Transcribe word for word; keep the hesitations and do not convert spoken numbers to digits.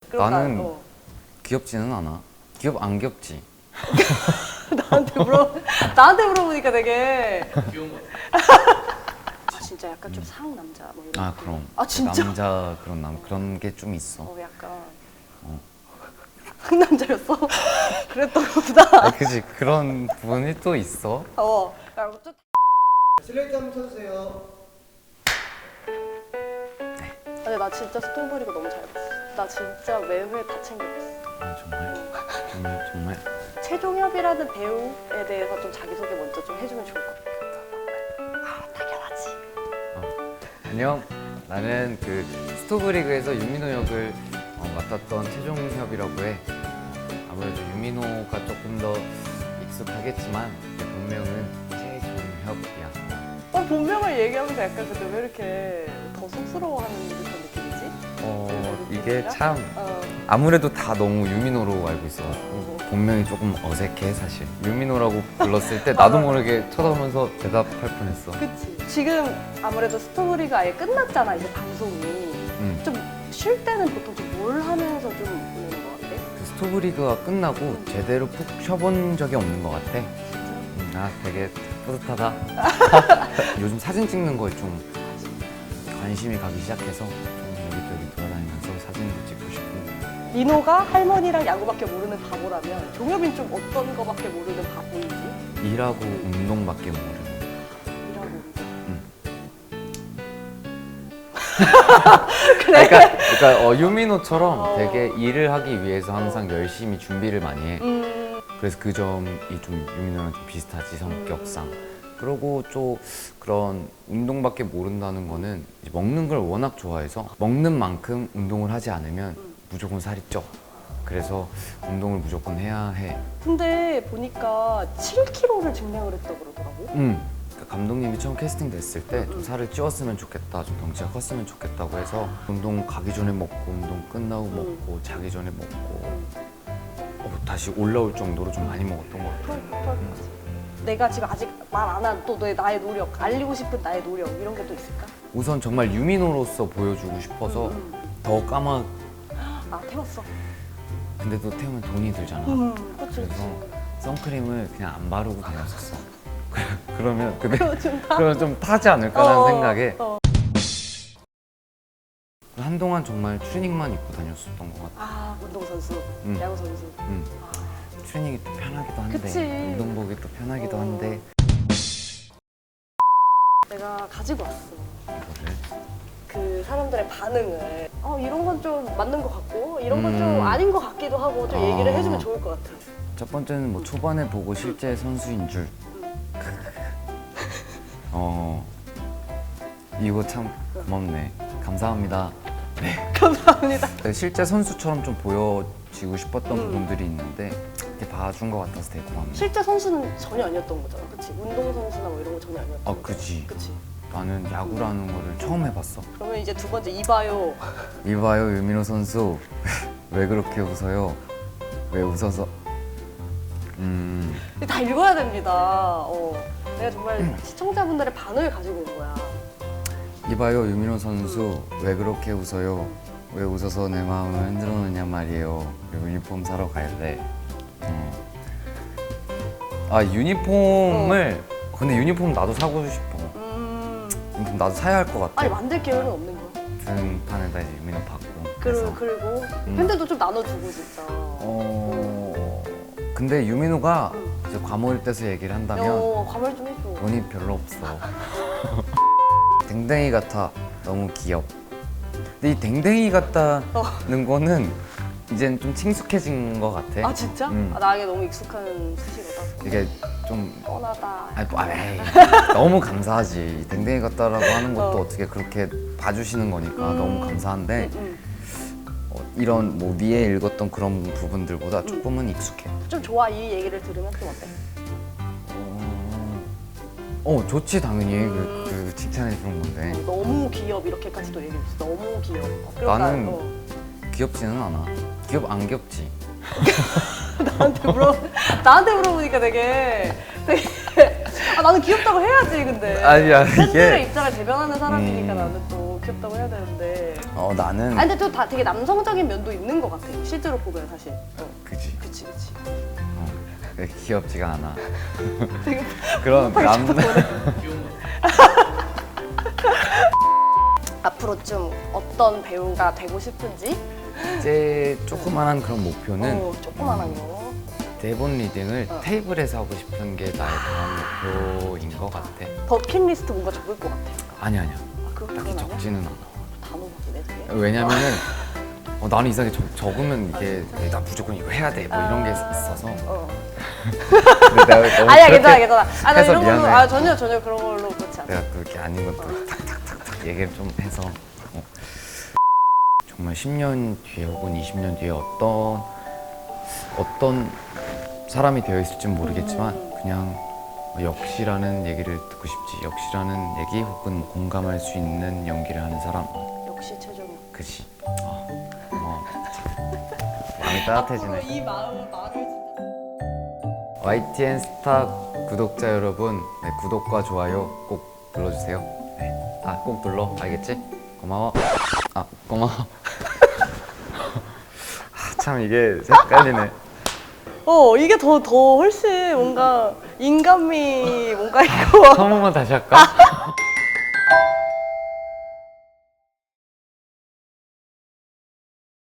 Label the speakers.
Speaker 1: 그럼
Speaker 2: 나는
Speaker 1: 나, 어.
Speaker 2: 귀엽지는 않아. 귀엽 안 귀엽지?
Speaker 1: 나한테 물어 나한테 물어보니까 되게
Speaker 3: 귀여운 거
Speaker 1: 아, 진짜 약간 좀 상남자 뭐 이런.
Speaker 2: 아 그럼.
Speaker 1: 아 진짜?
Speaker 2: 남자 그런 남 그런 게 좀 있어.
Speaker 1: 어 약간
Speaker 2: 어.
Speaker 1: 상남자였어? 그랬던 거구나.
Speaker 2: 아, 그지 그런 부분이 또 있어.
Speaker 1: 어. 야, 좀
Speaker 3: 슬레이트 한번 쳐주세요.
Speaker 1: 근데 나 진짜 스토브리그 너무 잘 봤어. 나 진짜 매회 다 챙겨봤어.
Speaker 2: 아 정말 정말 정말.
Speaker 1: 최종엽이라는 배우에 대해서 좀 자기소개 먼저 좀 해주면 좋을 것 같아. 아, 당연하지.
Speaker 2: 안녕. 나는 그 스토브리그에서 유민호 역을 어, 맡았던 최종협이라고 해. 아무래도 유민호가 조금 더 익숙하겠지만 내 본명은 최종협이야.
Speaker 1: 어, 본명을 얘기하면서 약간 근데 왜 이렇게 더 쑥스러워하는 듯한 느낌이지?
Speaker 2: 어 이게 참
Speaker 1: 어.
Speaker 2: 아무래도 다 너무 유민호로 알고 있어가지고 본명이 조금 어색해 사실. 유민호라고 불렀을 때 나도 모르게 쳐다보면서 대답할 뻔했어.
Speaker 1: 그치. 지금 아무래도 스토브리그 아예 끝났잖아, 이제 방송이.
Speaker 2: 응.
Speaker 1: 좀 쉴 때는 보통 좀 뭘 하면서 좀 보내는 것 같아?
Speaker 2: 그 스토브리그가 끝나고 제대로 푹 쉬어본 적이 없는 것 같아. 음, 아 되게 뿌듯하다. 요즘 사진 찍는 거에 좀 관심이 가기 시작해서 좀 여기저기 돌아다니면서 사진도 찍고 싶고.
Speaker 1: 민호가 할머니랑 야구밖에 모르는 바보라면 종엽이는 좀 어떤 거밖에 모르는 바보인지?
Speaker 2: 일하고 운동밖에 모르는.
Speaker 1: 이라고 운동.
Speaker 2: 응.
Speaker 1: 그래?
Speaker 2: 그러니까, 그러니까 어, 유민호처럼
Speaker 1: 어.
Speaker 2: 되게 일을 하기 위해서 항상 열심히 준비를 많이 해.
Speaker 1: 음,
Speaker 2: 그래서 그 점이 좀 유민호랑 좀 비슷하지 성격상.
Speaker 1: 음.
Speaker 2: 그리고 또 그런 운동밖에 모른다는 거는 이제 먹는 걸 워낙 좋아해서 먹는 만큼 운동을 하지 않으면 무조건 살이 쪄. 그래서 운동을 무조건 해야 해.
Speaker 1: 근데 보니까 칠 킬로그램를 증량을 했다고 그러더라고.
Speaker 2: 음. 그러니까 감독님이 처음 캐스팅 됐을 때 좀
Speaker 1: 음.
Speaker 2: 살을 찌웠으면 좋겠다, 좀 덩치가 컸으면 좋겠다고 해서 운동 가기 전에 먹고 운동 끝나고
Speaker 1: 음.
Speaker 2: 먹고 자기 전에 먹고
Speaker 1: 음.
Speaker 2: 어, 다시 올라올 정도로 좀 많이 먹었던 것 같아.
Speaker 1: 그럴, 그럴 거지. 내가 지금 아직 말 안 한 또 나의 노력, 알리고 싶은 나의 노력 이런 게 또 있을까?
Speaker 2: 우선 정말 유민호로서 보여주고 싶어서
Speaker 1: 음,
Speaker 2: 더 까맣.
Speaker 1: 아 태웠어.
Speaker 2: 근데 또 태우면 돈이 들잖아.
Speaker 1: 음, 그치
Speaker 2: 그래서
Speaker 1: 그치.
Speaker 2: 선크림을 그냥 안 바르고 다녔었어. 그러면 근데
Speaker 1: 그거 좀 다.
Speaker 2: 그러면 좀 타지 않을까라는
Speaker 1: 어,
Speaker 2: 생각에
Speaker 1: 어.
Speaker 2: 한동안 정말 트레이닝만 입고 다녔었던 것 같아.
Speaker 1: 아 운동선수,
Speaker 2: 음.
Speaker 1: 야구선수.
Speaker 2: 음.
Speaker 1: 아,
Speaker 2: 트레이닝이 또 편하기도 한데
Speaker 1: 그치.
Speaker 2: 운동복이 또 편하기도
Speaker 1: 어.
Speaker 2: 한데
Speaker 1: 내가 가지고 왔어.
Speaker 2: 이거를
Speaker 1: 그 사람들의 반응을 어 이런 건 좀 맞는 것 같고 이런 건 좀
Speaker 2: 음.
Speaker 1: 아닌 것 같기도 하고 좀 얘기를
Speaker 2: 아.
Speaker 1: 해주면 좋을 것 같아.
Speaker 2: 첫 번째는 뭐 초반에 보고 실제 선수인 줄. 어 이거 참 고맙네. 감사합니다.
Speaker 1: 감사합니다.
Speaker 2: 실제 선수처럼 좀 보여지고 싶었던
Speaker 1: 음.
Speaker 2: 부분들이 있는데 이렇게 봐준 것 같아서 되게 고맙네.
Speaker 1: 실제 선수는 전혀 아니었던 거잖아, 그치? 운동 선수나 뭐 이런 거 전혀 아니었던
Speaker 2: 아
Speaker 1: 거잖아.
Speaker 2: 그지.
Speaker 1: 그치?
Speaker 2: 나는 야구라는 거를 처음 해봤어.
Speaker 1: 그러면 이제 두 번째 이봐요.
Speaker 2: 이봐요 유민호 선수 왜 그렇게 웃어요? 왜 웃어서? 음
Speaker 1: 다 읽어야 됩니다. 어. 내가 정말 시청자분들의 반응을 가지고 온 거야.
Speaker 2: 이봐요 유민호 선수 왜 그렇게 웃어요? 왜 웃어서 내 마음을 흔들어 놓냐 말이에요. 유니폼 사러 가야 돼. 어. 아 유니폼을 근데 유니폼 나도 사고 싶어.
Speaker 1: 음.
Speaker 2: 유니폼 나도 사야 할 것 같아.
Speaker 1: 아니 만들 계획은 없는 거야?
Speaker 2: 등판에다 이제 유민호 받고.
Speaker 1: 그리고 그리고
Speaker 2: 음.
Speaker 1: 팬들도 좀 나눠주고 진짜.
Speaker 2: 어 근데 유민호가
Speaker 1: 음.
Speaker 2: 이제 과몰입 돼서 얘기를 한다면
Speaker 1: 어, 과말 좀 해줘.
Speaker 2: 돈이 별로 없어. 댕댕이 같아. 너무 귀엽. 근데 이 댕댕이 같다는 거는 이젠 좀 친숙해진 것 같아.
Speaker 1: 아 진짜?
Speaker 2: 음.
Speaker 1: 아, 나에게 너무 익숙한 수식어다.
Speaker 2: 이게 좀
Speaker 1: 뻔하다.
Speaker 2: 아니, 뭐, 에이, 너무 감사하지. 댕댕이 같다라고 하는 것도
Speaker 1: 어.
Speaker 2: 어. 떻게 그렇게 봐주시는 거니까
Speaker 1: 음.
Speaker 2: 너무 감사한데
Speaker 1: 음,
Speaker 2: 어, 이런 뭐 위에 읽었던 그런 부분들보다
Speaker 1: 음.
Speaker 2: 조금은 익숙해.
Speaker 1: 음. 좀 좋아 이 얘기를 들으면 좀 어때?
Speaker 2: 어, 어 좋지 당연히
Speaker 1: 음.
Speaker 2: 그, 그 칭찬해 주는 건데
Speaker 1: 너무 귀엽 이렇게까지도 얘기했어. 너무 귀엽. 그러니까,
Speaker 2: 나는
Speaker 1: 어.
Speaker 2: 귀엽지는 않아. 귀엽 안 귀엽지?
Speaker 1: 나한테 물어 나한테 물어보니까 되게 되게 아, 나는 귀엽다고 해야지 근데.
Speaker 2: 아니야, 이게-
Speaker 1: 팬들의 입장을 대변하는 사람이니까
Speaker 2: 음.
Speaker 1: 나는 또 귀엽다고 해야 되는데.
Speaker 2: 어 나는
Speaker 1: 아 근데 또 다 되게 남성적인 면도 있는 것 같아. 실제로 보면 사실. 어.
Speaker 2: 그지.
Speaker 1: 그치 그치.
Speaker 2: 어, 그게 귀엽지가 않아.
Speaker 1: 되게
Speaker 2: 그런 남
Speaker 1: 앞으로 좀 어떤 배우가 되고 싶은지.
Speaker 2: 이제 조그만한 그런 목표는
Speaker 1: 어, 조그만한 거.
Speaker 2: 대본 리딩을
Speaker 1: 어.
Speaker 2: 테이블에서 하고 싶은 게 나의 다음 목표인 것 같아.
Speaker 1: 버킷리스트 뭔가 적을 것 같아.
Speaker 2: 아니 아니야.
Speaker 1: 아, 그거
Speaker 2: 딱히
Speaker 1: 그건 아니야?
Speaker 2: 적지는 않아.
Speaker 1: 단호박이네 되게.
Speaker 2: 왜냐면은 어, 나는 이상하게 적, 적으면 이게 나 무조건 이거 해야 돼 뭐 이런 게 있어서.
Speaker 1: 어.
Speaker 2: 근데 내가 너무
Speaker 1: 아니야
Speaker 2: 그렇게
Speaker 1: 괜찮아 괜찮아. 아 나
Speaker 2: 해서
Speaker 1: 이런 걸로
Speaker 2: 미안해.
Speaker 1: 아 전혀 전혀 그런 걸로 그렇지 않아.
Speaker 2: 내가 또 이렇게 아닌 것도 탁탁탁탁 얘기를 좀 해서 어. 정말 십 년 뒤에 혹은 이십 년 뒤에 어떤 어떤 사람이 되어 있을지는 모르겠지만
Speaker 1: 음.
Speaker 2: 그냥 역시라는 얘기를 듣고 싶지. 역시라는 얘기 혹은 공감할 수 있는 연기를 하는 사람.
Speaker 1: 역시 최종이.
Speaker 2: 그치. 아, 고마워. 마음이 따뜻해지네.
Speaker 1: 이 마음을 말을 진짜.
Speaker 2: 와이티엔 스타 구독자 여러분, 네, 구독과 좋아요 꼭 눌러주세요. 네. 아, 꼭 눌러. 알겠지? 고마워. 아, 고마워. 아, 참 이게 헷갈리네.
Speaker 1: 어 이게 더 더 훨씬 뭔가 인간미 뭔가 이거.
Speaker 2: 한 번만 다시 할까?